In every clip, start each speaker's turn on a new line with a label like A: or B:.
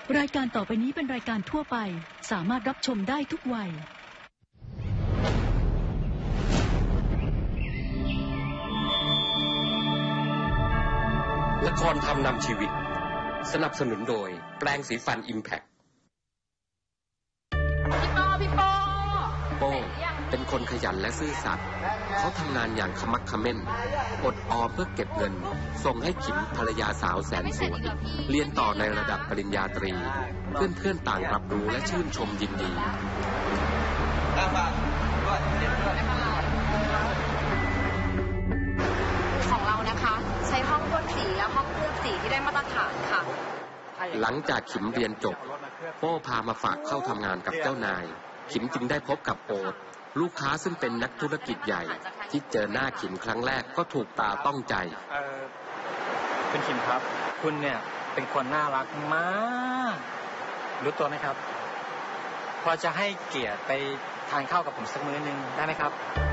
A: รายการต่อไปนี้เป็นรายการทั่วไปสามารถรับชมได้ทุกวัย
B: ละครทำนำชีวิตสนับสนุนโดยแปรงสีฟัน Impact
C: พี่ปอ
B: โป้เป็นคนขยันและซื่อสัตย์เขาทำงานอย่างขมักเขม้นอดออมเพื่อเก็บเงินส่งให้ขิมภรรยาสาวแสนสวยเรียนต่อในระดับปริญญาตรีเพื่อนๆต่างรับรู้และชื่นชมยินดี
C: ของเรานะคะใช้ห้องพ่นสีและห้องเคลือบสีที่ได้มาตรฐานค่ะ
B: หลังจากขิมเรียนจบโป้พามาฝากเข้าทำงานกับเจ้านายขิมจึงได้พบกับโอ๊ตลูกค้าซึ่งเป็นนักธุรกิจใหญ่ที่เจอหน้าขิมครั้งแรกก็ถูกตาต้องใจ
D: คุณขิมครับคุณเนี่ยเป็นคนน่ารักมากรู้ตัวไหมครับพอจะให้เกียรติไปทานข้าวกับผมสักมื้อนึงได้ไหมครับ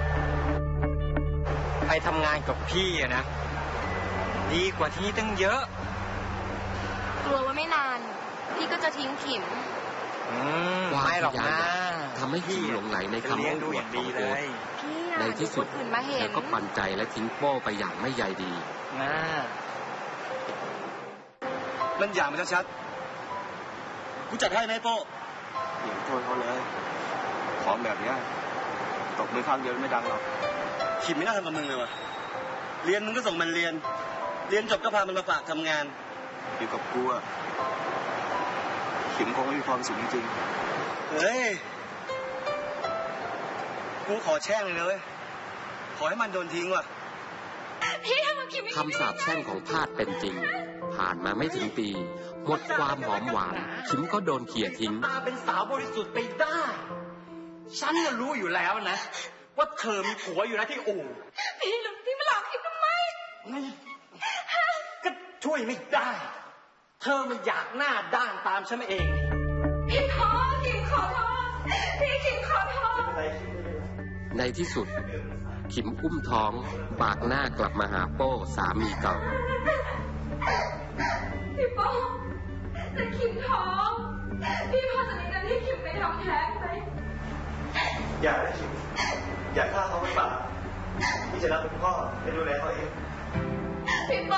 D: ไปทำงานกับพี่นะดีกว่าที่นี่ตั้งเยอะ
C: กลัวว่าไม่นานพี่ก็จะทิ้งขิม
B: ไม่หรอกนะทำให้ขิมหลงไหลในคำพูดของโอ๊ตในที่สุดเธอก็ปั่นใจและทิ้งโป้ไปอย่างไม่ใยดี
E: มันอย่างมันชัดๆกูจัดให้ไหมโป้อย่าโทษเขาเลยของแบบนี้ตกมือข้างเดียวไม่ดังหรอกขิมไม่น่าทำกับมึงเลยวะเรียนมึงก็ส่งมันเรียนจบก็พามันมาฝากทำงานอยู่กับกูอะขิมคงไม่มีความสุขจริงๆเฮ้ยกูขอแช่งเลยนะเว้ยขอให้มันโดนทิ้งว่ะ
C: พี่ทำกับขิม
B: คำสาปแช่งของทาสเป็นจริงผ่านมาไม่ถึงปีหมดความหอมหวานขิมก็โดนเขี่ยทิ้ง
D: ตาเป็นสาวบริสุทธิ์ไปได้ฉันก็รู้อยู่แล้วนะว่าเธอมีผัวอยู่นะที่อู่
C: พี่หลงที่มาหลอกขิมทำไม
D: ก็ช่วยไม่ได้เธอมันอยากหน้าด้านตามฉันเอง
C: พี่ขอขิมขอโทษพี่ขิมขอโทษ
B: ในที่สุดขิมอุ้มท้องบากหน้ากลับมาหาโป้สามีเก่า
C: พี่โป้แต่ขิมท้องพี่พอจะมีเงินให้ขิมไปทำแท้งไหม
E: อย่าเลยขิมอย่าฆ่าเขาไว้ป่ะพี่จะรับเป็นพ่อไปดูแลเขาเอง
C: พี่โป้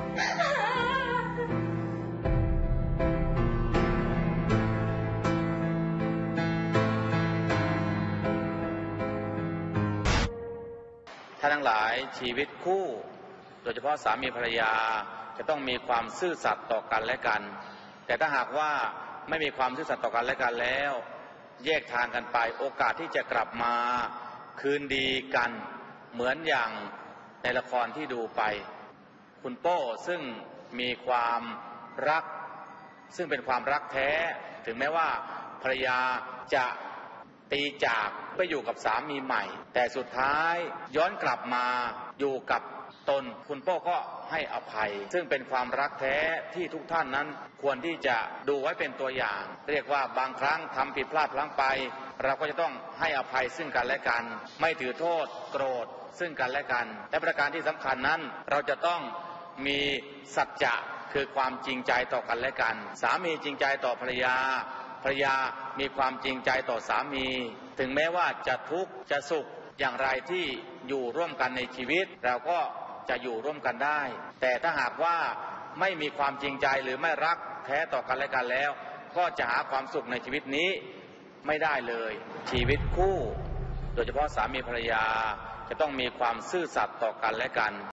F: ท่านทั้งหลายชีวิตคู่โดยเฉพาะสามีภรรยาจะต้องมีความซื่อสัตย์ต่อกันและกันแต่ถ้าหากว่าไม่มีความซื่อสัตย์ต่อกันและกันแล้วแยกทางกันไปโอกาสที่จะกลับมาคืนดีกันเหมือนอย่างในละครที่ดูไปคุณโป้ซึ่งมีความรักซึ่งเป็นความรักแท้ถึงแม้ว่าภรรยาจะตีจากไปอยู่กับสามีใหม่แต่สุดท้ายย้อนกลับมาอยู่กับตนคุณโป้ก็ให้อภัยซึ่งเป็นความรักแท้ที่ทุกท่านนั้นควรที่จะดูไว้เป็นตัวอย่างเรียกว่าบางครั้งทำผิดพลาดพลั้งไปเราก็จะต้องให้อภัยซึ่งกันและกันไม่ถือโทษโกรธซึ่งกันและกันและประการที่สำคัญนั้นเราจะต้องมีสัจจะคือความจริงใจต่อกันและกันสามีจริงใจต่อภรรยาภรรยามีความจริงใจต่อสามีถึงแม้ว่าจะทุกข์จะสุขอย่างไรที่อยู่ร่วมกันในชีวิตเราก็จะอยู่ร่วมกันได้แต่ถ้าหากว่าไม่มีความจริงใจหรือไม่รักแท้ต่อกันและกันแล้วก็จะหาความสุขในชีวิตนี้ไม่ได้เลยชีวิตคู่โดยเฉพาะสามีภรรยาจะต้องมีความซื่อสัตย์ต่อกันและกัน